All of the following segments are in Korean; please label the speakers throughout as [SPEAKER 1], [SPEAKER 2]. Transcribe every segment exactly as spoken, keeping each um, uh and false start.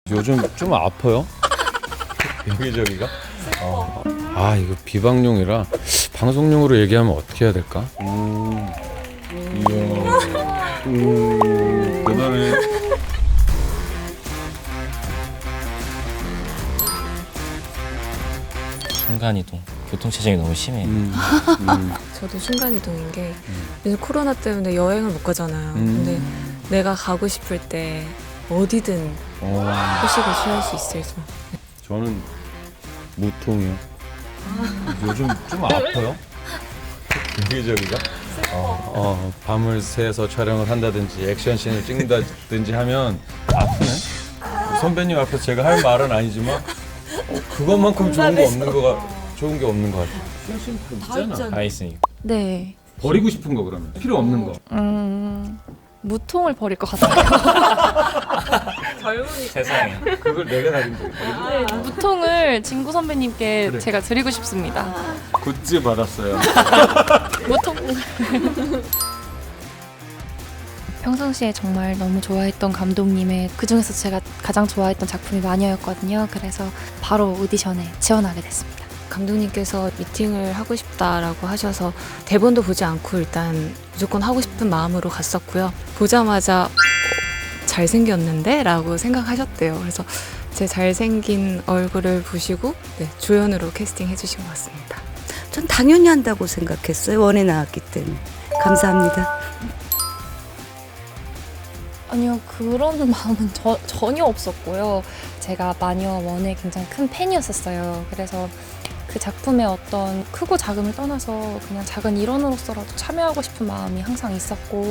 [SPEAKER 1] 요즘 좀 아파요? 여기저기가? 어. 아 이거 비방용이라 방송용으로 얘기하면 어떻게 해야 될까?
[SPEAKER 2] 음. 이야. 음. 대단해.
[SPEAKER 3] 순간이동. 교통체증이 너무 심해.
[SPEAKER 1] 음. 음.
[SPEAKER 4] 저도 순간이동인 게 요즘 코로나 때문에 여행을 못 가잖아요.
[SPEAKER 1] 음.
[SPEAKER 4] 근데 내가 가고 싶을 때 어디든
[SPEAKER 1] 어.
[SPEAKER 4] 휴식을 취할 수 있어서
[SPEAKER 1] 저는 무통이요. 요즘 좀 아파요? 여기저기가? 어, 어, 밤을 새서 촬영을 한다든지 액션씬을 찍는다든지 하면 아프네? 선배님 앞에서 제가 할 말은 아니지만 어, 그것만큼 좋은 거 없는 거가 좋은 게 없는 거 같아. 있잖아.
[SPEAKER 3] 다 있으니까.
[SPEAKER 5] 네.
[SPEAKER 1] 버리고 싶은 거 그러면 필요 없는 거.
[SPEAKER 5] 음, 무통을 버릴 것 같아요.
[SPEAKER 3] 세상에.
[SPEAKER 1] 그걸 내가 다린 거야.
[SPEAKER 5] 무통을 진구 선배님께
[SPEAKER 1] 그래.
[SPEAKER 5] 제가 드리고 싶습니다.
[SPEAKER 1] 굿즈 받았어요.
[SPEAKER 5] 무통. 평상시에 정말 너무 좋아했던 감독님의 그중에서 제가 가장 좋아했던 작품이 마녀였거든요. 그래서 바로 오디션에 지원하게 됐습니다.
[SPEAKER 4] 감독님께서 미팅을 하고 싶다라고 하셔서 대본도 보지 않고 일단 무조건 하고 싶은 마음으로 갔었고요. 보자마자 어, 잘생겼는데? 라고 생각하셨대요. 그래서 제 잘생긴 얼굴을 보시고 네, 조연으로 캐스팅해 주신 것 같습니다.
[SPEAKER 6] 전 당연히 한다고 생각했어요. 원에 나왔기 때문에. 감사합니다.
[SPEAKER 5] 아니요, 그런 마음은 저, 전혀 없었고요. 제가 마녀 원의 굉장히 큰 팬이었었어요. 그래서 그 작품의 어떤 크고 작음을 떠나서 그냥 작은 일원으로서라도 참여하고 싶은 마음이 항상 있었고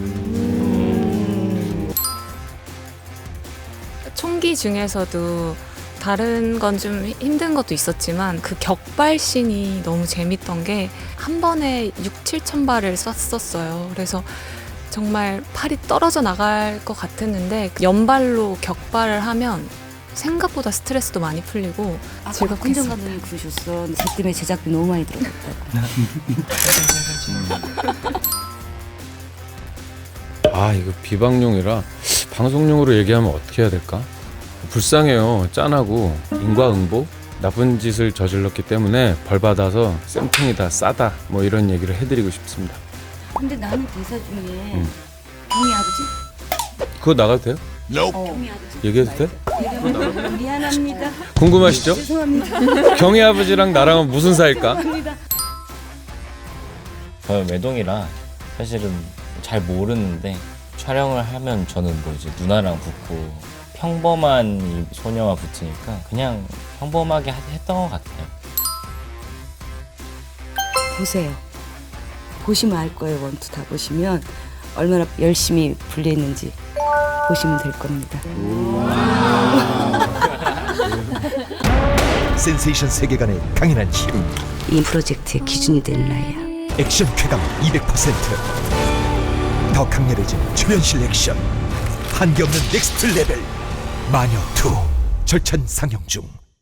[SPEAKER 4] 총기 중에서도 다른 건 좀 힘든 것도 있었지만 그 격발씬이 너무 재밌던 게 한 번에 육, 칠천 발을 쐈었어요. 그래서 정말 팔이 떨어져 나갈 것 같았는데 연발로 격발을 하면 생각보다 스트레스도 많이 풀리고
[SPEAKER 6] 아까
[SPEAKER 4] 즐겁게
[SPEAKER 6] 박훈정
[SPEAKER 4] 했습니다.
[SPEAKER 6] 감독님 그러셨어. 쟤 때문에 제작비 너무 많이 들어갔다고.
[SPEAKER 1] 아 이거 비방용이라 방송용으로 얘기하면 어떻게 해야 될까? 불쌍해요. 짠하고 인과응보 나쁜 짓을 저질렀기 때문에 벌 받아서 쌤통이다 싸다 뭐 이런 얘기를 해드리고 싶습니다.
[SPEAKER 6] 근데 나는 대사 중에
[SPEAKER 1] 음.
[SPEAKER 6] 경희 아버지?
[SPEAKER 1] 그거 나가도 돼요?
[SPEAKER 6] 경희 아버지.
[SPEAKER 1] 얘기해도 돼?
[SPEAKER 6] 이러면 미안합니다.
[SPEAKER 1] 궁금하시죠?
[SPEAKER 6] 죄송합니다.
[SPEAKER 1] 경희 아버지랑 나랑은 무슨 사이일까?
[SPEAKER 3] 저는 외동이라 사실은 잘 모르는데 촬영을 하면 저는 뭐 이제 누나랑 붙고 평범한 이 소녀와 붙으니까 그냥 평범하게 하- 했던 것 같아요.
[SPEAKER 6] 보세요. 보시면 알 거예요. 원투 다 보시면 얼마나 열심히 분리했는지 보시면 될 겁니다.
[SPEAKER 7] 센세이션 세계관의 강인한 힘,
[SPEAKER 6] 이 프로젝트의 기준이 될 나이야.
[SPEAKER 7] 액션 쾌감 이백 퍼센트, 더 강렬해진 초현실 액션, 한계없는 넥스트 레벨 마녀 투 절찬 상영 중.